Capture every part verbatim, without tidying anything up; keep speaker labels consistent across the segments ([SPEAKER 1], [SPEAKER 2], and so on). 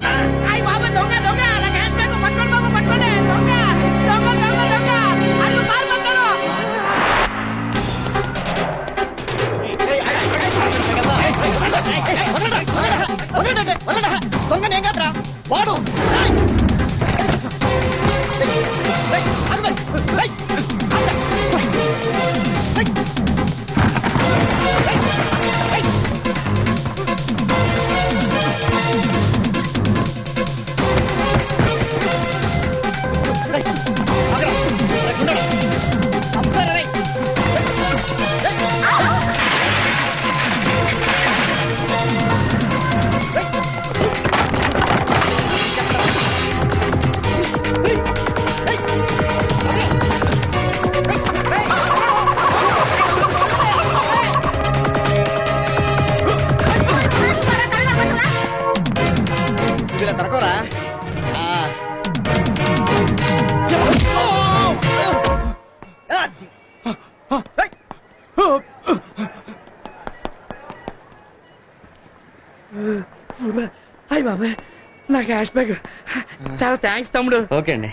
[SPEAKER 1] అయ్యి బాబు దొంగ దొంగ నా క్యాష్ బ్యాగ్ పట్టుకోండి బాబు పట్టుకోండి దొంగ దొంగ దొంగ దొంగ అల్లు కారు పట్టారు దొంగ నేను కాదురా వాడు అయ్య బాబాయ్ నా క్యాష్ బ్యాగ్ చాలా థ్యాంక్స్ తమ్ముడు.
[SPEAKER 2] ఓకే అండి.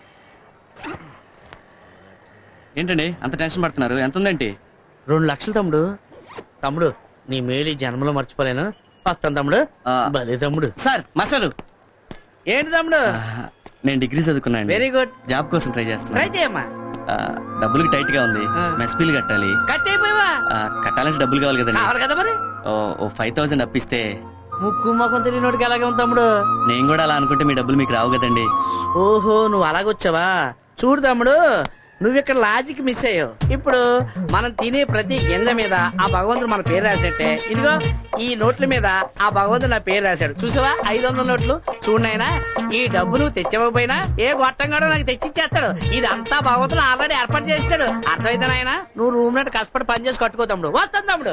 [SPEAKER 2] ఏంటండి అంత టెన్షన్ పడుతున్నారు? ఎంత ఉందండి?
[SPEAKER 1] రెండు లక్షలు తమ్ముడు. తమ్ముడు నీ మేలు జన్మలో మర్చిపోలేను. వస్తాను తమ్ముడు. భలే తమ్ముడు.
[SPEAKER 2] సార్ మసాలు
[SPEAKER 1] ఏంటి తమ్ముడు?
[SPEAKER 2] నేను డిగ్రీ చదువుకున్నాను.
[SPEAKER 1] Very good.
[SPEAKER 2] జాబ్ కోసం ట్రై చేస్తున్నా.
[SPEAKER 1] ట్రై చేయమ్మా.
[SPEAKER 2] డబ్బులకి టైట్ గా ఉంది. మెస్ బిల్ కట్టాలి.
[SPEAKER 1] కట్టేపోయావా?
[SPEAKER 2] కట్టాలంటే డబ్బులు కావాలి కదండి.
[SPEAKER 1] కావాలి కదా మరి.
[SPEAKER 2] ఓ ఫైవ్ థౌసండ్ అప్పిస్తే.
[SPEAKER 1] ముక్కు మొఖం తెలియనోడికి అలాగే ఉంది తమ్ముడు.
[SPEAKER 2] నేను కూడా అలా అనుకుంటే మీ డబ్బులు మీకు రావు కదండి.
[SPEAKER 1] ఓహో నువ్వు అలాగొచ్చావా? చూడు తమ్ముడు నువ్వు ఇక్కడ లాజిక్ మిస్ అయ్యావు. ఇప్పుడు మనం తినే ప్రతి గింజ మీద ఆ భగవంతుడు మన పేరు రాసేట్టే ఇదిగో ఈ నోట్ల మీద ఆ భగవంతుడు నా పేరు రాశాడు. చూసావా ఐదు వందల నోట్లు చూడనైనా ఈ డబ్బు నువ్వు తెచ్చకపోయినా ఏ గొట్టంగాడో నాకు తెచ్చిచ్చేస్తాడు. ఇదంతా భగవంతుడు ఆల్రెడీ ఏర్పాటు చేస్తాడు. అర్థమైతే నాయన నువ్వు రూమ్ నట్టు కష్టపడి పని చేసి కట్టుకో తమ్ముడు. వస్తాను తమ్ముడు.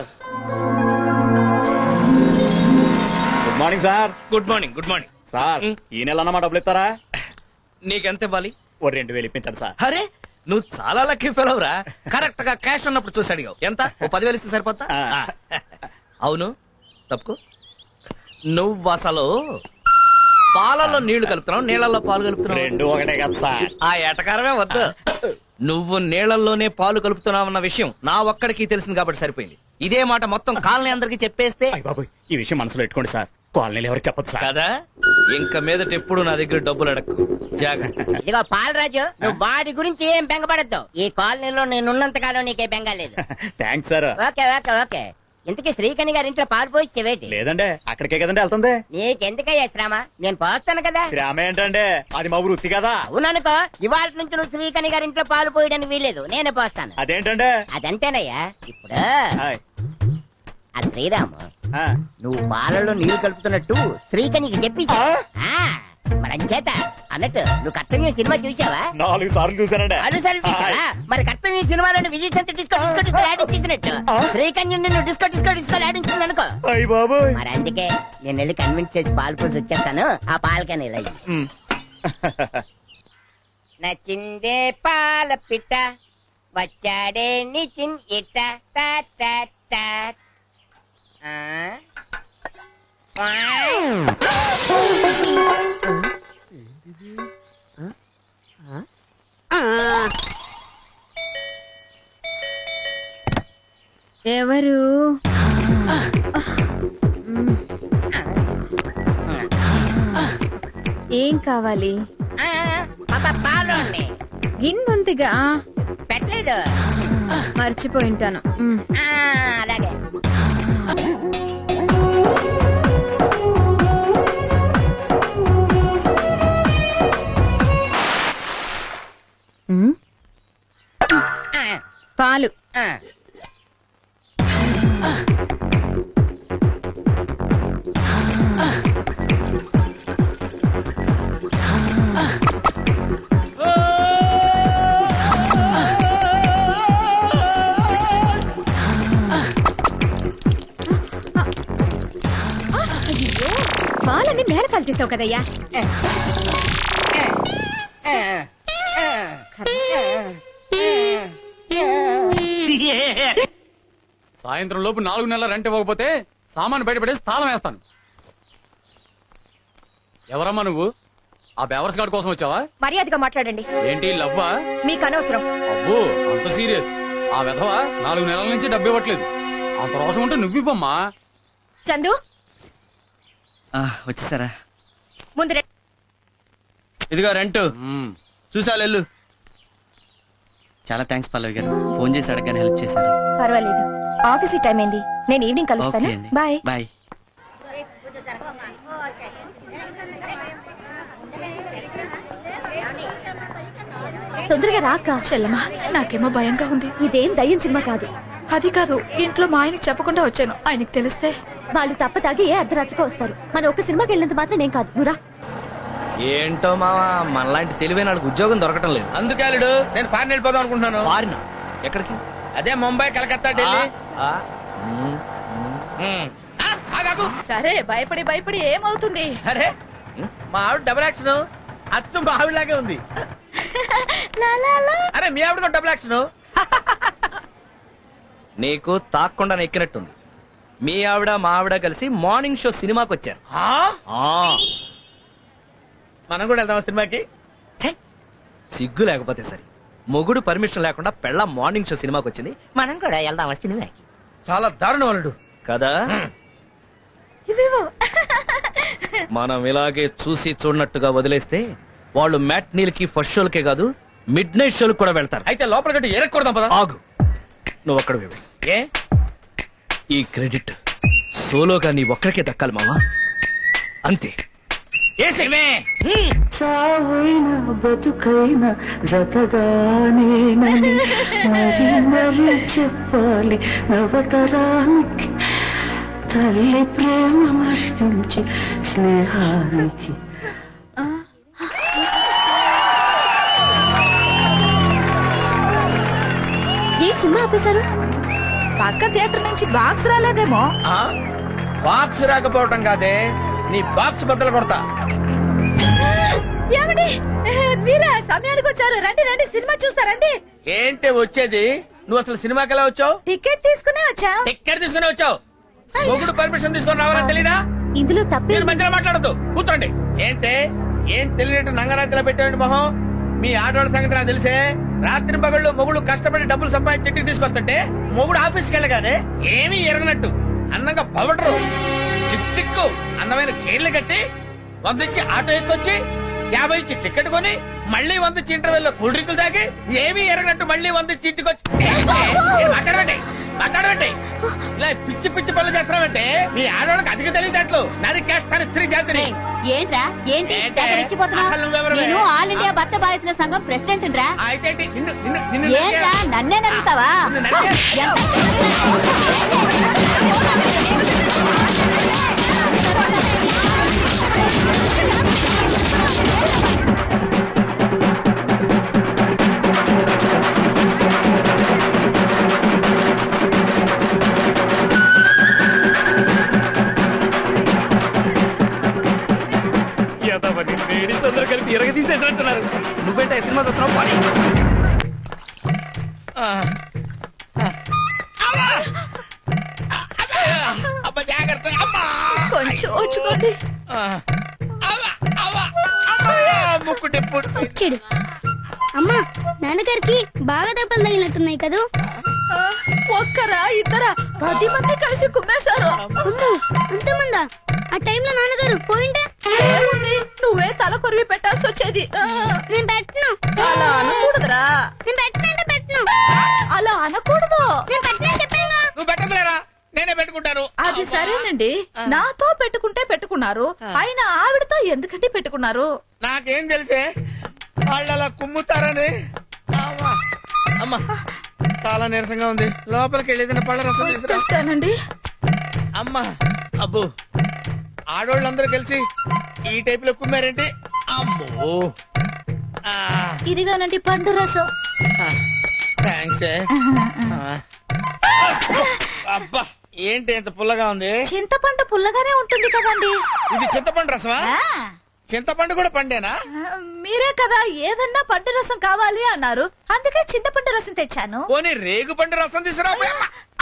[SPEAKER 3] Good morning sir.
[SPEAKER 4] Good morning. Good morning
[SPEAKER 3] sir. ఈ నెల అన్నమా డబ్బులు ఇస్తారా?
[SPEAKER 4] నీకెంత ఇవ్వాలి?
[SPEAKER 3] ఓ రెండు వేలు ఇప్పించండి సార్.
[SPEAKER 4] అరే నువ్వు చాలా లక్కీ ఫెలవ్ రా. కరెక్ట్ గా క్యాష్ ఉన్నప్పుడు చూసి అడిగావు. ఎంత? ఓ పదివేలు ఇస్తే సరిపోతా? అవును తప్పుకో. నువ్వు అసలు పాలల్లో నీళ్లు కలుపుతున్నావు, నీళ్లలో పాలు కలుపుతున్నావు.
[SPEAKER 3] రెండు ఒకటే కదా సార్.
[SPEAKER 4] ఆ ఏటకారమే వద్దు. నువ్వు నీళ్లలోనే పాలు కలుపుతున్నావన్న విషయం నా ఒక్కడికి తెలిసింది కాబట్టి సరిపోయింది. ఇదే మాట మొత్తం కాలనీ అందరికి చెప్పేస్తే.
[SPEAKER 3] బాబు ఈ విషయం మనసులో పెట్టుకోండి సార్. కాలనీలు ఎవరికి చెప్పదు సార్.
[SPEAKER 4] కదా ఇంక మీదట ఎప్పుడు నా దగ్గర డబ్బులు అడక్కు. జాగ్రత్త.
[SPEAKER 5] ఇదిగో పాలరాజు నువ్వు వాడి గురించి ఏం బెంగపడద్దు. ఈ కాలనీలో నేనున్నంత కాలం నీకే బెంగ లేదు.
[SPEAKER 3] Thanks sir.
[SPEAKER 5] Okay okay okay. ఇంతకీ శ్రీకణి గారి ఇంట్లో పాలు పోసి
[SPEAKER 3] లేదండి అక్కడికే కదండి వెళ్తుంది.
[SPEAKER 5] నీకెందుకయ్యా శ్రమ? నేను పోస్తాను కదా.
[SPEAKER 3] శ్రమ ఏంటండి? అది మా వృత్తి కదా.
[SPEAKER 5] అవుననుకో ఇవాళ నుంచి నువ్వు శ్రీకణి గారి ఇంట్లో పాలు పోయడానికి వీలేదు. నేనే పోస్తాను.
[SPEAKER 3] అదేంటండి?
[SPEAKER 5] అదంతేనయ్యా. ఇప్పుడు ఆ శ్రీరాము నువ్వు పాలలో నీళ్లు కలుపుతున్నట్టు శ్రీకణికి చెప్పి మరంచేత అన్నట్టు నువ్వు కర్తవ్యం సినిమా చూసావా?
[SPEAKER 3] నాలుగు సార్లు చూసానండి.
[SPEAKER 5] నాలుగు సార్లు చూసావా? మరి కర్తవ్యం సినిమాలోని విజయ్ సంత డిస్కో డిస్కో డిస్కో ఆడించినట్టు శ్రీకన్య నిన్ను డిస్కో డిస్కో డిస్కో ఆడించింది అనుకో. మరి అందుకే నేను వెళ్ళి కన్విన్స్ చేసి పాలు పోసి వచ్చేస్తాను. ఆ పాలకని ఇలా నచ్చిందే పాల పిట్ట వచ్చాడే నిచిన్ ఇట్ట
[SPEAKER 6] ఎవరు? ఏం కావాలి?
[SPEAKER 5] పాలు
[SPEAKER 6] గిన్నుందిగా
[SPEAKER 5] పెట్టలేదు,
[SPEAKER 6] మర్చిపోయింటాను.
[SPEAKER 5] అలాగే
[SPEAKER 6] పాలు. పాలన్నీ నేల పాలు చేసావు కదయ్యా.
[SPEAKER 7] సాయంత్రం లోపు నాలుగు నెలల రెంట్ ఇవ్వకపోతే సామాను బయటపడేసి తాళం వేస్తాను. ఎవరమ్మా నువ్వు? ఆ బేవర్స్ గార్డ్ కోసం వచ్చావా?
[SPEAKER 8] మర్యాదగా మాట్లాడండి.
[SPEAKER 7] ఏంటి లవ్వా?
[SPEAKER 8] మీకు అనవసరం.
[SPEAKER 7] అబ్బో అంత సీరియస్. ఆ విధవ నాలుగు నెలల నుంచి డబ్బు ఇవ్వట్లేదు. అంత రోషం ఉంటే నువ్వివ్వమ్మా.
[SPEAKER 8] చందు
[SPEAKER 2] ఆ, వచ్చేసారా?
[SPEAKER 8] ముందు రండి.
[SPEAKER 2] ఇదిగో రెంట్
[SPEAKER 7] మ్మ్.
[SPEAKER 2] చూసావు వెళ్ళు. చాలా థ్యాంక్స్ పల్లవి గారు, ఫోన్ చేసి అడగగానే హెల్ప్ చేశారు.
[SPEAKER 8] పర్వాలేదు, ఆఫీస్ టైం అయింది. నేను ఈవినింగ్ కలుస్తాను.
[SPEAKER 2] ఓకే అండి,
[SPEAKER 8] బాయ్.
[SPEAKER 2] బాయ్.
[SPEAKER 6] తొందరగా రాక
[SPEAKER 9] చెల్లమా, నాకేమో భయంగా ఉంది.
[SPEAKER 6] ఇదేం దయ్యం సినిమా కాదు.
[SPEAKER 9] అది కాదు, ఇంట్లో మా ఆయనకి చెప్పకుండా వచ్చాను. ఆయనకి తెలిస్తే
[SPEAKER 6] వాళ్ళు తప్ప తాగి ఏ అర్ధరాత్రికో వస్తారు. మన ఒక్క సినిమాకి వెళ్ళినంత మాత్రం నేను కాదు. నువ్వురా.
[SPEAKER 4] ఏంటో మావా, మనలాంటి తెలివైన వాళ్ళకి ఉద్యోగం దొరకటం లేదు.
[SPEAKER 10] అందుకే అల్లుడు నేను ఫారెన్ వెళ్ళిపోదాం అనుకుంటున్నాను.
[SPEAKER 4] వారిన ఎక్కడికి?
[SPEAKER 10] అదే ముంబై, కలకత్తా, ఢిల్లీ.
[SPEAKER 4] ఆ, మ్,
[SPEAKER 10] ఉమ్. ఆ, ఆగాగు.
[SPEAKER 9] సరే, భయపడి భయపడి ఏమవుతుంది?
[SPEAKER 10] అరే మా ఆవిడ డబుల్ యాక్షన్ అచ్చు మా ఆవిడలాగే ఉంది. అరే మీ ఆవిడ డబుల్ యాక్షన్.
[SPEAKER 4] నీకు తాక్కుండా ఎక్కినట్టుంది. మీ ఆవిడ మా ఆవిడ కలిసి మార్నింగ్ షో సినిమాకి వచ్చారు. ఆ,
[SPEAKER 10] మనం కూడా వెళ్దాం సినిమాకి.
[SPEAKER 4] ఛై, సిగ్గు లేకపోతే సరే. మొగుడు పర్మిషన్ లేకుండా పెళ్ళ మార్నింగ్ షో సినిమాకి వచ్చింది.
[SPEAKER 5] మనం కూడా వెళ్దాం సినిమాకి.
[SPEAKER 10] చాలా దారుణం అల్లుడు.
[SPEAKER 4] కదా మనం ఇలాగే చూసి చూడనట్టుగా వదిలేస్తే వాళ్ళు మ్యాట్నీలకి ఫస్ట్ షోలకే కాదు మిడ్ నైట్ షోలకు కూడా వెళ్తారు.
[SPEAKER 10] అయితే లోపల గట్టి ఎరక్కూడదాం పదా.
[SPEAKER 4] ఆగు, నువ్వు అక్కడ
[SPEAKER 10] ఏ
[SPEAKER 4] ఈ క్రెడిట్ సోలోగా నీ ఒక్కడికే దక్కాలి మావా. అంతే.
[SPEAKER 11] చావైనా బతుకైనా జతగానేనని మరి మరి చెప్పాలి నవతరానికి, తల్లి ప్రేమ మరించి స్నేహానికి.
[SPEAKER 6] ఏ సినిమా ఆపేశారు?
[SPEAKER 9] పక్క థియేటర్ నుంచి బాక్స్ రాలేదేమో.
[SPEAKER 10] బాక్స్ రాకపోవటం కాదే, నీ బాక్స్ బద్దలు కొడతా.
[SPEAKER 9] ఏమండి, మీరా సమయానికి వచ్చారు? రండి రండి, సినిమా చూస్తారండి.
[SPEAKER 10] ఏంటి వచ్చేది? నువ్వు అసలు సినిమాకి ఎలా వచ్చావు?
[SPEAKER 9] టికెట్ తీసుకునే వచ్చా.
[SPEAKER 10] టిక్కెట్ తీసుకుని వచ్చావు. మొగుడు పర్మిషన్ తీసుకొని రావాలని తెలీదా?
[SPEAKER 6] ఇందులో తప్పే
[SPEAKER 10] మీరు మధ్యలో మాట్లాడద్దు, కూర్చోండి. ఏంటే ఏం తెలియనట్టు నంగరాత్రిలో పెట్టేయండి మొహం. మీ ఆడవాళ్ళ సంగతి నాకు తెలిసే. రాత్రి పగళ్ళు మొగుడు కష్టపడి డబ్బులు సంపాదించి ఇంటికి తీసుకొస్తుంటే మొగుడు ఆఫీస్కి వెళ్ళగానే ఏమీ ఎరగనట్టు అందంగా పవడరు టిక్కు అందమైన చీరలు కట్టి వంద ఇచ్చి ఆటో ఎక్కొచ్చి యాభై ఇచ్చి టికెట్ కొని మళ్ళీ వంద ఇచ్చి ఇంటర్వెల్ లో కూల్ డ్రింకులు తాగి ఏమీ ఎరగనట్టు మళ్ళీ వంద ఇచ్చి ఇంటికి వచ్చి మాట్లాడమండి మాట్లాడమండి ఇలా పిచ్చి పిచ్చి పనులు చేస్తున్నామంటే మీ ఆడవాళ్ళకి అధిక తెలియదట్లు నరికేస్తాను స్త్రీ జాతిని.
[SPEAKER 6] ఏంట్రా? ఏంటి
[SPEAKER 10] ఏంటే?
[SPEAKER 6] తెగ రెచ్చిపోతున్నావ్?
[SPEAKER 10] అసలు నువ్వెవరివే?
[SPEAKER 6] నేను ఆల్ ఇండియా భర్త బాధితుల సంఘం ప్రెసిడెంట్ రా.
[SPEAKER 10] అయితే ఏంటి? నిన్ను నిన్ను నిన్ను
[SPEAKER 6] ఏంట్రా నన్నే నమ్ముతావా?
[SPEAKER 10] నిన్ను నరికే-
[SPEAKER 4] లేడీస్ అందరూ కలిపి ఇరగ తీసేసినట్టున్నారు. నువ్వేంటే సినిమా చూస్తున్నావు? పని.
[SPEAKER 10] ఆ. అమ్మా! అబ్బా, జాగ్రత్త. అమ్మా!
[SPEAKER 9] కొంచెం వచ్చుకోండి.
[SPEAKER 10] ఆ. అమ్మా! అమ్మా! అమ్మా! ముక్కు టెప్పుడు.
[SPEAKER 8] వచ్చాడు. అమ్మా, నాన్నగారికి బాగా దెబ్బలు తగిలినట్టున్నాయి కదూ.
[SPEAKER 9] ఒక్కరా ఇద్దరా పది మంది కలిసి కుమ్మేశారు.
[SPEAKER 8] అంతమందా? ఆ టైంలో నాన్నగారు పోయింటే
[SPEAKER 9] ఏముంది, నువ్వే తల కొరివి పెట్టాల్సి వచ్చేది. ఆ,
[SPEAKER 8] నేను పెట్టను.
[SPEAKER 9] అలా అనకూడదురా.
[SPEAKER 8] నేను పెట్టనంటే పెట్టను.
[SPEAKER 9] అలా అనకూడదు.
[SPEAKER 8] నేను పెట్టనని చెప్పాను.
[SPEAKER 10] నువ్వు పెట్టదులేరా, నేనే పెట్టుకుంటాను.
[SPEAKER 9] అది సరేనండి, నాతో పెట్టుకుంటే పెట్టుకున్నారు, అయినా ఆవిడతో ఎందుకంటే పెట్టుకున్నారు?
[SPEAKER 10] నాకేం తెలిసే వాళ్ళు అలా కుమ్ముతారని. అమ్మా! అమ్మా, చాలా నీరసంగా ఉంది. లోపలికి వెళ్ళేది పళ్ళ రసం తీసుకురా.
[SPEAKER 9] తెస్తానండి.
[SPEAKER 10] అమ్మా! అబ్బో, ఆడోళ్ళందరూ కలిసి ఈ టైప్ లో కుమ్మారేంటి? అమ్మో! ఆ,
[SPEAKER 9] ఇదిగానండి పండు రసం.
[SPEAKER 10] థాంక్స్. ఆ. అబ్బా, ఏంటి ఎంత పుల్లగా ఉంది?
[SPEAKER 9] చింతపండు పుల్లగానే ఉంటుంది కదండి.
[SPEAKER 10] ఇది చింతపండు రసమా?
[SPEAKER 9] ఆ,
[SPEAKER 10] చింతపండు కూడా పండేనా?
[SPEAKER 9] మీరే కదా ఏదన్నా పండు రసం కావాలి అన్నారు, అందుకే చింతపండు రసం తెచ్చాను.
[SPEAKER 10] పోనీ రేగు పండు రసం తీసుకురా.